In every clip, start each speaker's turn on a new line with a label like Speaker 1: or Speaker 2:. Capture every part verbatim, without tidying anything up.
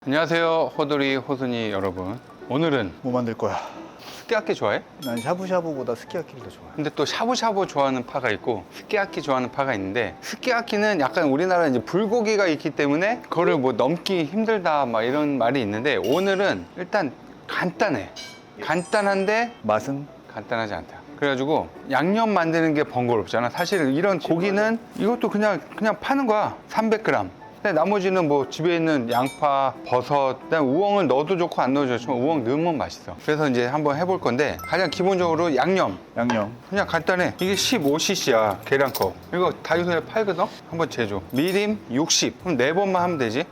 Speaker 1: 안녕하세요, 호돌이 호순이 여러분. 오늘은
Speaker 2: 뭐 만들 거야?
Speaker 1: 스키야키 좋아해?
Speaker 2: 난 샤브샤브보다 스키야키를 더 좋아해.
Speaker 1: 근데 또 샤브샤브 좋아하는 파가 있고 스키야키 좋아하는 파가 있는데, 스키야키는 약간 우리나라에 이제 불고기가 있기 때문에 그거를 뭐 넘기 힘들다 막 이런 말이 있는데, 오늘은 일단 간단해. 간단한데
Speaker 2: 맛은?
Speaker 1: 간단하지 않다. 그래가지고 양념 만드는 게 번거롭잖아. 사실 이런 고기는 이것도 그냥 그냥 파는 거야. 삼백 그램. 근데 나머지는 뭐 집에 있는 양파, 버섯, 그다음 우엉을 넣어도 좋고 안 넣어도 좋지만 우엉 넣으면 맛있어. 그래서 이제 한번 해볼 건데, 가장 기본적으로 양념.
Speaker 2: 양념.
Speaker 1: 그냥 간단해. 이게 십오 씨씨야, 계량컵. 이거 다이소에 팔거든? 한번 재줘. 미림 육십. 그럼 네 번만 하면 되지.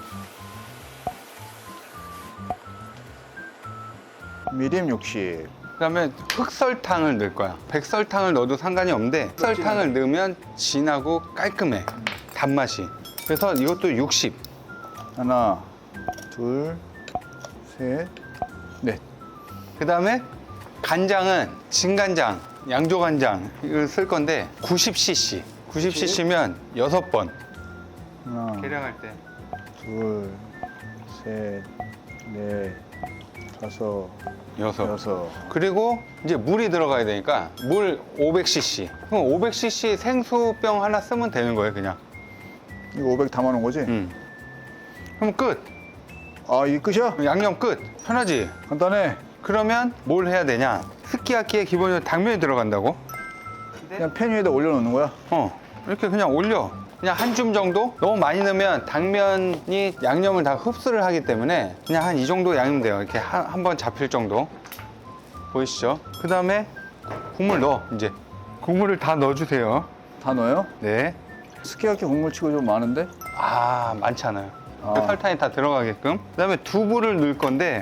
Speaker 2: 미림 육십.
Speaker 1: 그 다음에 흑설탕을 넣을 거야. 백설탕을 넣어도 상관이 없는데, 흑설탕을 넣으면 진하고 깔끔해. 단맛이. 그래서 이것도 육십.
Speaker 2: 하나, 둘, 셋, 넷.
Speaker 1: 그 다음에 간장은 진간장, 양조간장 이걸 쓸 건데 구십 씨씨. 구십 씨씨면 여섯 번.
Speaker 2: 하나,
Speaker 1: 계량할 때.
Speaker 2: 둘, 셋, 넷, 다섯,
Speaker 1: 여섯.
Speaker 2: 여섯.
Speaker 1: 그리고 이제 물이 들어가야 되니까 물 오백 씨씨. 그럼 오백 씨씨 생수병 하나 쓰면 되는 거예요, 그냥.
Speaker 2: 이거 오백 담아놓은 거지?
Speaker 1: 음. 그럼 끝.
Speaker 2: 아, 이게 끝이야?
Speaker 1: 양념 끝. 편하지?
Speaker 2: 간단해.
Speaker 1: 그러면 뭘 해야 되냐? 스키야키에 기본적으로 당면이 들어간다고.
Speaker 2: 그냥 팬 위에다 올려놓는 거야?
Speaker 1: 어, 이렇게 그냥 올려. 그냥 한 줌 정도? 너무 많이 넣으면 당면이 양념을 다 흡수를 하기 때문에 그냥 한 이 정도 양이면 돼요. 이렇게 한 번 잡힐 정도. 보이시죠? 그 다음에 국물 넣어, 이제. 국물을 다 넣어주세요.
Speaker 2: 다 넣어요?
Speaker 1: 네.
Speaker 2: 스키야키 국물 치고 좀 많은데?
Speaker 1: 아, 많지 않아요.
Speaker 2: 아.
Speaker 1: 그 설탕이 다 들어가게끔. 그 다음에 두부를 넣을 건데,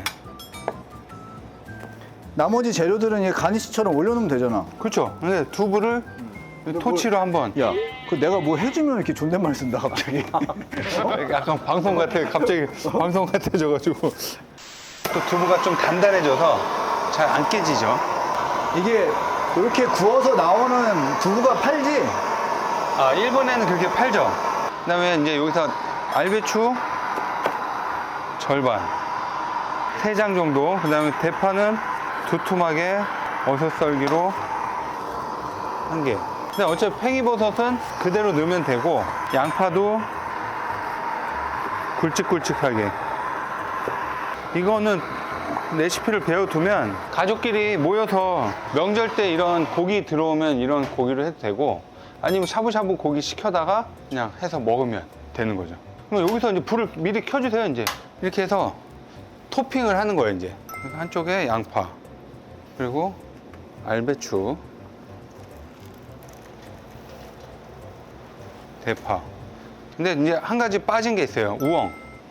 Speaker 2: 나머지 재료들은 이 가니쉬처럼 올려놓으면 되잖아.
Speaker 1: 그렇죠. 근데 두부를 토치로 한번.
Speaker 2: 야, 그 내가 뭐 해주면 이렇게 존댓말 쓴다 갑자기.
Speaker 1: 약간 방송 같아. 갑자기 방송 같아져가지고. 또 두부가 좀 단단해져서 잘 안 깨지죠.
Speaker 2: 이게 이렇게 구워서 나오는 두부가 팔지?
Speaker 1: 아, 일본에는 그렇게 팔죠. 그 다음에 이제 여기서 알배추 절반, 세 장 정도. 그 다음에 대파는 두툼하게 어슷썰기로 한 개. 근데 어차피 팽이버섯은 그대로 넣으면 되고, 양파도 굵직굵직하게. 이거는 레시피를 배워두면 가족끼리 모여서 명절 때 이런 고기 들어오면 이런 고기를 해도 되고, 아니면 샤브샤브 고기 시켜다가 그냥 해서 먹으면 되는 거죠. 그럼 여기서 이제 불을 미리 켜주세요. 이제 이렇게 해서 토핑을 하는 거예요. 이제 한쪽에 양파, 그리고 알배추, 대파. 근데 이제 한 가지 빠진 게 있어요. 우엉.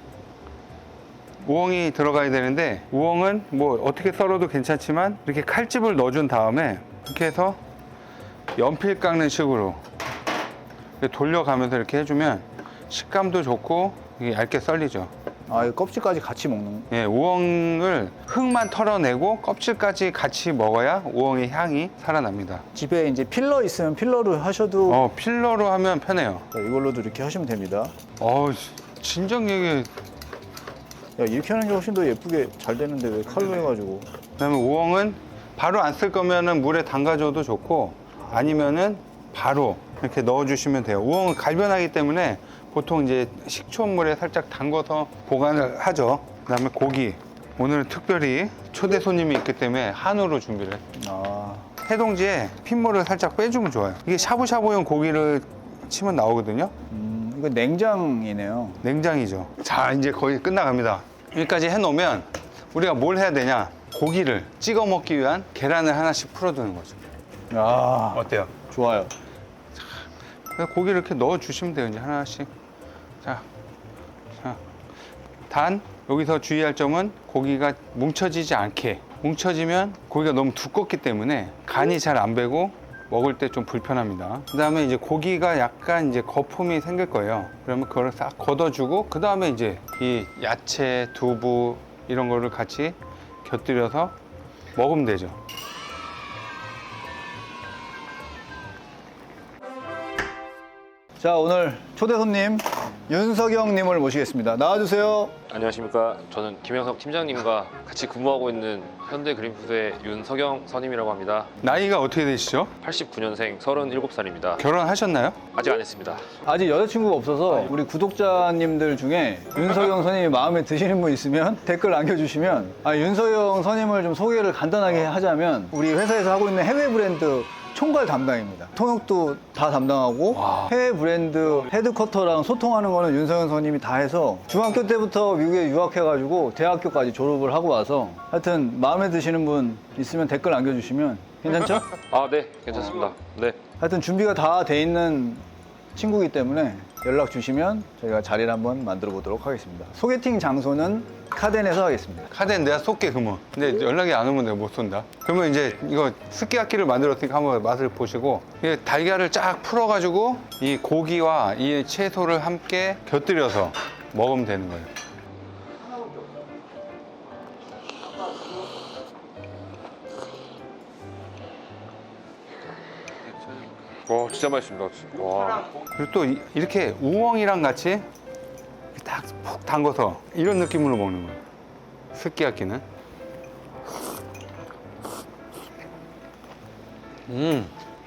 Speaker 1: 우엉이 들어가야 되는데, 우엉은 뭐 어떻게 썰어도 괜찮지만 이렇게 칼집을 넣어준 다음에 이렇게 해서 연필 깎는 식으로 돌려가면서 이렇게 해주면 식감도 좋고 이게 얇게 썰리죠.
Speaker 2: 아, 이 껍질까지 같이 먹는.
Speaker 1: 예, 우엉을 흙만 털어내고 껍질까지 같이 먹어야 우엉의 향이 살아납니다.
Speaker 2: 집에 이제 필러 있으면 필러로 하셔도
Speaker 1: 어, 필러로 하면 편해요.
Speaker 2: 자, 이걸로도 이렇게 하시면 됩니다.
Speaker 1: 어, 진정 얘기.
Speaker 2: 야, 이렇게 하는 게 훨씬 더 예쁘게 잘 되는데 왜 칼로 해가지고.
Speaker 1: 그다음에 우엉은 바로 안 쓸 거면은 물에 담가줘도 좋고, 아니면은 바로 이렇게 넣어주시면 돼요. 우엉은 갈변하기 때문에 보통 이제 식초물에 살짝 담궈서 보관을 하죠. 그다음에 고기. 오늘은 특별히 초대 손님이 있기 때문에 한우로 준비를 했어요.
Speaker 2: 아,
Speaker 1: 해동지에 핏물을 살짝 빼주면 좋아요. 이게 샤브샤브용 고기를 치면 나오거든요.
Speaker 2: 음, 이거 냉장이네요.
Speaker 1: 냉장이죠. 자, 이제 거의 끝나갑니다. 여기까지 해놓으면 우리가 뭘 해야 되냐? 고기를 찍어 먹기 위한 계란을 하나씩 풀어두는 거죠.
Speaker 2: 아,
Speaker 1: 어때요?
Speaker 2: 좋아요.
Speaker 1: 그래서 고기를 이렇게 넣어 주시면 돼요. 이제 하나씩. 자, 자. 단 여기서 주의할 점은 고기가 뭉쳐지지 않게. 뭉쳐지면 고기가 너무 두껍기 때문에 간이 잘 안 배고 먹을 때 좀 불편합니다. 그 다음에 이제 고기가 약간 이제 거품이 생길 거예요. 그러면 그걸 싹 걷어주고, 그 다음에 이제 이 야채, 두부 이런 거를 같이 곁들여서 먹으면 되죠.
Speaker 2: 자, 오늘 초대 손님 윤석영님을 모시겠습니다. 나와주세요.
Speaker 3: 안녕하십니까. 저는 김영석 팀장님과 같이 근무하고 있는 현대그린푸드의 윤석영 선임이라고 합니다.
Speaker 1: 나이가 어떻게 되시죠?
Speaker 3: 팔십구 년생 서른일곱 살입니다.
Speaker 1: 결혼하셨나요?
Speaker 3: 아직 안 했습니다.
Speaker 2: 아직 여자친구가 없어서 우리 구독자님들 중에 윤석영 선임이 마음에 드시는 분 있으면 댓글 남겨주시면, 아, 윤석영 선임을 좀 소개를 간단하게 하자면 우리 회사에서 하고 있는 해외 브랜드 총괄 담당입니다. 통역도 다 담당하고 해외 브랜드 헤드쿼터랑 소통하는 거는 윤석영 선임이 다 해서 중학교 때부터 미국에 유학해가지고 대학교까지 졸업을 하고 와서 하여튼 마음에 드시는 분 있으면 댓글 남겨주시면 괜찮죠?
Speaker 3: 아, 네. 괜찮습니다. 네.
Speaker 2: 하여튼 준비가 다 돼 있는 친구이기 때문에 연락 주시면 저희가 자리를 한번 만들어 보도록 하겠습니다. 소개팅 장소는 카덴에서 하겠습니다.
Speaker 1: 카드는 내가 쏠게 그러면. 근데 연락이 안 오면 내가 못 쏜다. 그러면 이제 이거 스키야키를 만들었으니까 한번 맛을 보시고, 이게 달걀을 쫙 풀어가지고 이 고기와 이 채소를 함께 곁들여서 먹으면 되는 거예요.
Speaker 3: 와, 진짜 맛있습니다. 와.
Speaker 1: 그리고 또 이- 이렇게 우엉이랑 같이 딱 푹 담궈서 이런 느낌으로 먹는 거예요. 스키야키는. 음.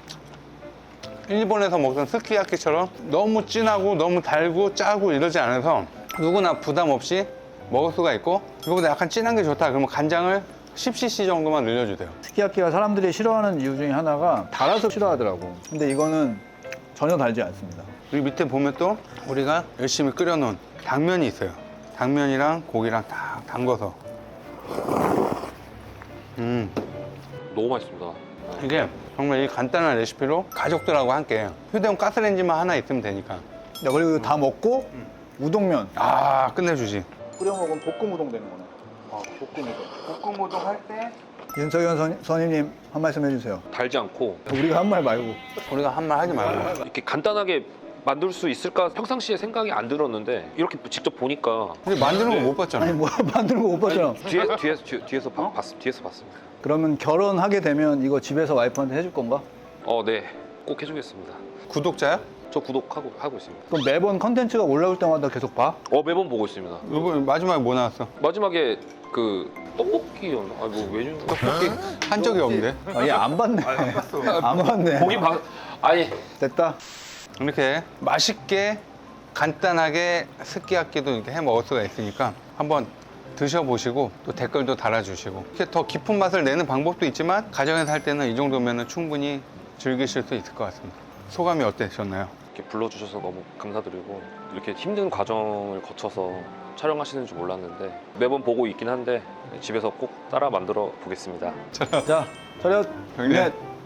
Speaker 1: 일본에서 먹던 스키야키처럼 너무 진하고 너무 달고 짜고 이러지 않아서 누구나 부담 없이 먹을 수가 있고, 이거보다 약간 진한 게 좋다 그러면 간장을 십 씨씨 정도만 늘려주세요.
Speaker 2: 스키야키가 사람들이 싫어하는 이유 중에 하나가 달아서 싫어하더라고. 근데 이거는 전혀 달지 않습니다.
Speaker 1: 여기 밑에 보면 또 우리가 열심히 끓여놓은 당면이 있어요. 당면이랑 고기랑 딱 담궈서. 음,
Speaker 3: 너무 맛있습니다.
Speaker 1: 이게 정말 이 간단한 레시피로 가족들하고 함께 휴대용 가스레인지만 하나 있으면 되니까.
Speaker 2: 야, 그리고 이거 다 먹고 우동면
Speaker 1: 아, 끝내주지.
Speaker 2: 끓여 먹으면 볶음 우동 되는 거네. 아, 볶음 우동.
Speaker 1: 볶음 우동 할 때
Speaker 2: 윤석현 선, 선임님 한 말씀 해주세요.
Speaker 3: 달지 않고
Speaker 2: 우리가 한 말 말고.
Speaker 1: 우리가 한 말 하지 말고.
Speaker 3: 이렇게 간단하게 만들 수 있을까 평상시에 생각이 안 들었는데 이렇게 직접 보니까
Speaker 1: 근데 만드는 거 못 봤잖아.
Speaker 2: 아니 뭐 만드는 거 못 봤잖아.
Speaker 3: 뒤에, 뒤에서 뒤, 뒤에서 봐- 봤, 뒤에서 봤습니다.
Speaker 2: 그러면 결혼하게 되면 이거 집에서 와이프한테 해줄 건가?
Speaker 3: 어, 네. 꼭 해주겠습니다.
Speaker 1: 구독자야?
Speaker 3: 저 구독하고 하고 있습니다.
Speaker 2: 그럼 매번 컨텐츠가 올라올 때마다 계속 봐?
Speaker 3: 어, 매번 보고 있습니다.
Speaker 1: 이번 마지막에 뭐 나왔어?
Speaker 3: 마지막에 그 떡볶이였나? 아, 뭐 메뉴 떡볶이
Speaker 1: 한 적이 없는데.
Speaker 2: 아, 얘 안 봤네. 안 봤네.
Speaker 3: 고기 봐. 아니
Speaker 2: 됐다.
Speaker 1: 이렇게 맛있게 간단하게 스키야키도 이렇게 해 먹을 수가 있으니까 한번 드셔보시고 또 댓글도 달아주시고, 이렇게 더 깊은 맛을 내는 방법도 있지만 가정에서 할 때는 이 정도면 충분히 즐기실 수 있을 것 같습니다. 소감이 어떠셨나요?
Speaker 3: 이렇게 불러주셔서 너무 감사드리고, 이렇게 힘든 과정을 거쳐서 촬영하시는 줄 몰랐는데 매번 보고 있긴 한데 집에서 꼭 따라 만들어 보겠습니다.
Speaker 2: 자, 차렷.
Speaker 1: 형님.
Speaker 2: 넷.